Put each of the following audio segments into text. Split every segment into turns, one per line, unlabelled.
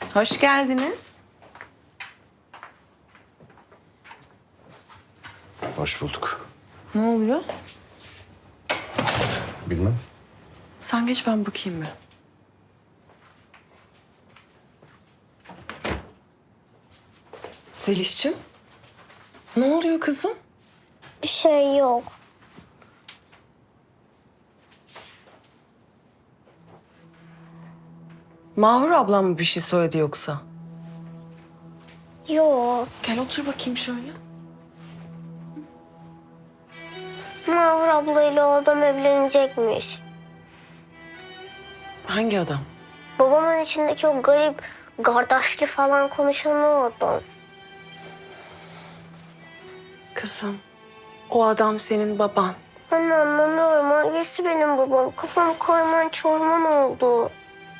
Hoş geldiniz.
Hoş bulduk.
Ne oluyor?
Bilmem.
Sen geç, ben bakayım bir. Zeliş'cim, ne oluyor kızım?
Bir şey yok.
Mahur ablam mı bir şey söyledi yoksa?
Yok.
Gel otur bakayım şöyle.
Mahur ablayla o adam evlenecekmiş.
Hangi adam?
Babamın içindeki o garip, kardeşli falan konuşan o adam.
Kızım, o adam senin baban.
Anne anlamıyorum. Hangisi benim babam? Kafam karman çorman oldu.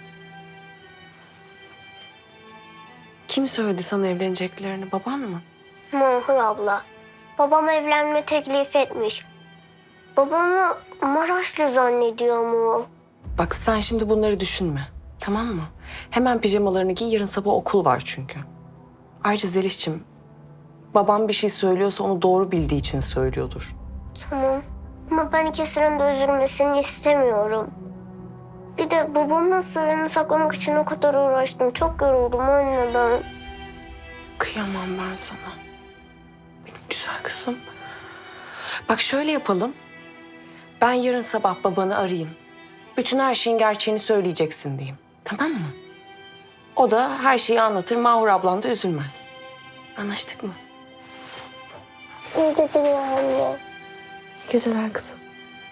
Kim söyledi sana evleneceklerini, baban mı?
Mahur abla. Babam evlenme teklif etmiş. Babamı Maraşlı zannediyor mu?
Bak sen şimdi bunları düşünme, tamam mı? Hemen pijamalarını giy, yarın sabah okul var çünkü. Ayrıca Zeliş'cim, babam bir şey söylüyorsa onu doğru bildiği için söylüyordur.
Tamam. Ama ben ikisinin de üzülmesini istemiyorum. Bir de babamın sırrını saklamak için o kadar uğraştım. Çok yoruldum anne ben.
Kıyamam ben sana. Benim güzel kızım. Bak şöyle yapalım. Ben yarın sabah babanı arayayım. Bütün her şeyin gerçeğini söyleyeceksin diyeyim. Tamam mı? O da her şeyi anlatır. Mahur ablan da üzülmez. Anlaştık mı?
İyi geceler anne.
İyi geceler kızım.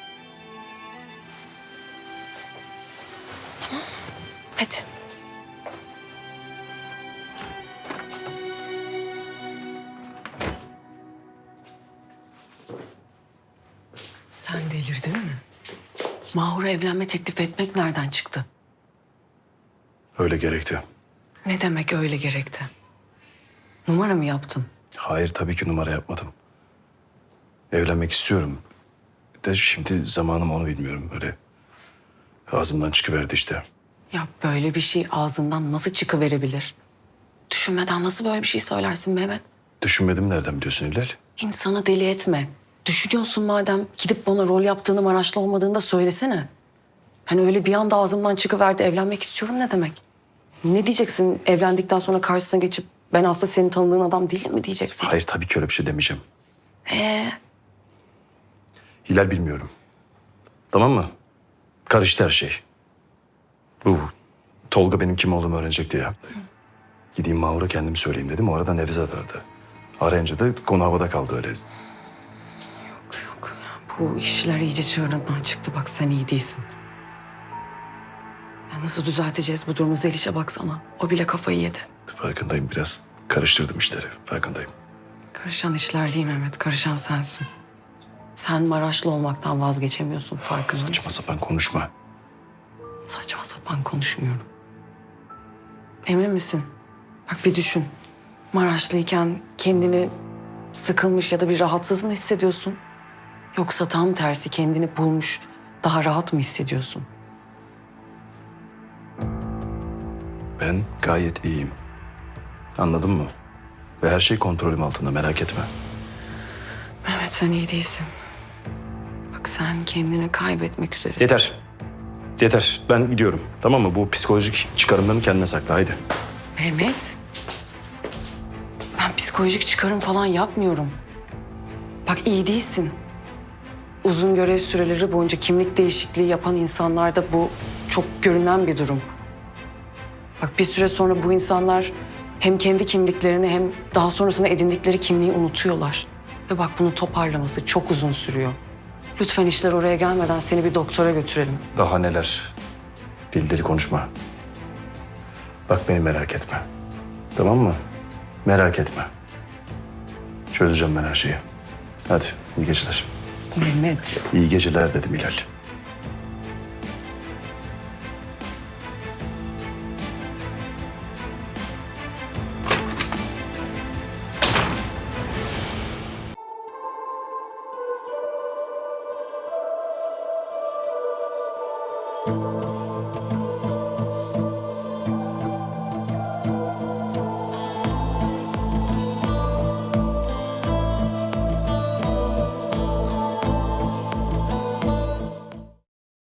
Tamam. Hadi. Sen delirdin mi? Mahur'a evlenme teklif etmek nereden çıktı?
Öyle gerekti.
Ne demek öyle gerekti? Numara mı yaptın?
Hayır, tabii ki numara yapmadım. Evlenmek istiyorum. De şimdi zamanım onu bilmiyorum. Öyle ağzımdan çıkıverdi işte.
Ya böyle bir şey ağzından nasıl çıkıverebilir? Düşünmeden nasıl böyle bir şey söylersin Mehmet?
Düşünmedim, nereden biliyorsun Hilal?
İnsanı deli etme. Düşünüyorsun madem, gidip bana rol yaptığını, Maraşlı olmadığını da söylesene. Hani öyle bir anda ağzımdan çıkıverdi, evlenmek istiyorum ne demek? Ne diyeceksin evlendikten sonra karşısına geçip ben aslında senin tanıdığın adam değilim mi diyeceksin?
Hayır, tabii ki öyle bir şey demeyeceğim.
Ee,
Hilal, bilmiyorum. Tamam mı? Karıştı her şey. Bu Tolga benim kim olduğumu öğrenecekti ya. Gideyim Mahur'a kendimi söyleyeyim dedim. O arada Nevzat aradı. Arayınca da konu havada kaldı öyle.
Yok. Bu işler iyice çığırından çıktı. Bak sen iyi değilsin. Ya nasıl düzelteceğiz bu durumu? Zeliş'e baksana. O bile kafayı yedi.
Farkındayım, biraz karıştırdım işleri. Farkındayım.
Karışan işler değil Mehmet. Karışan sensin. Sen Maraşlı olmaktan vazgeçemiyorsun. Farkında
Saçma
mısın?
sapan konuşma.
Saçma sapan konuşmuyorum. Emin misin? Bak bir düşün. Maraşlıyken kendini sıkılmış ya da bir rahatsız mı hissediyorsun? Yoksa tam tersi kendini bulmuş, daha rahat mı hissediyorsun?
Ben gayet iyiyim. Anladın mı? Ve her şey kontrolüm altında, merak etme.
Mehmet sen iyi değilsin. Bak sen kendini kaybetmek üzere.
Yeter. Yeter. Ben gidiyorum. Tamam mı? Bu psikolojik çıkarımlarını kendine sakla. Haydi.
Mehmet. Ben psikolojik çıkarım falan yapmıyorum. Bak iyi değilsin. Uzun görev süreleri boyunca kimlik değişikliği yapan insanlarda bu çok görünen bir durum. Bak bir süre sonra bu insanlar hem kendi kimliklerini hem daha sonrasında edindikleri kimliği unutuyorlar. Ve bak bunu toparlaması çok uzun sürüyor. Lütfen işler oraya gelmeden seni bir doktora götürelim.
Daha neler? Deli deli konuşma. Bak beni merak etme. Tamam mı? Merak etme. Çözeceğim ben her şeyi. Hadi iyi geceler.
Mehmet.
İyi geceler dedim Hilal.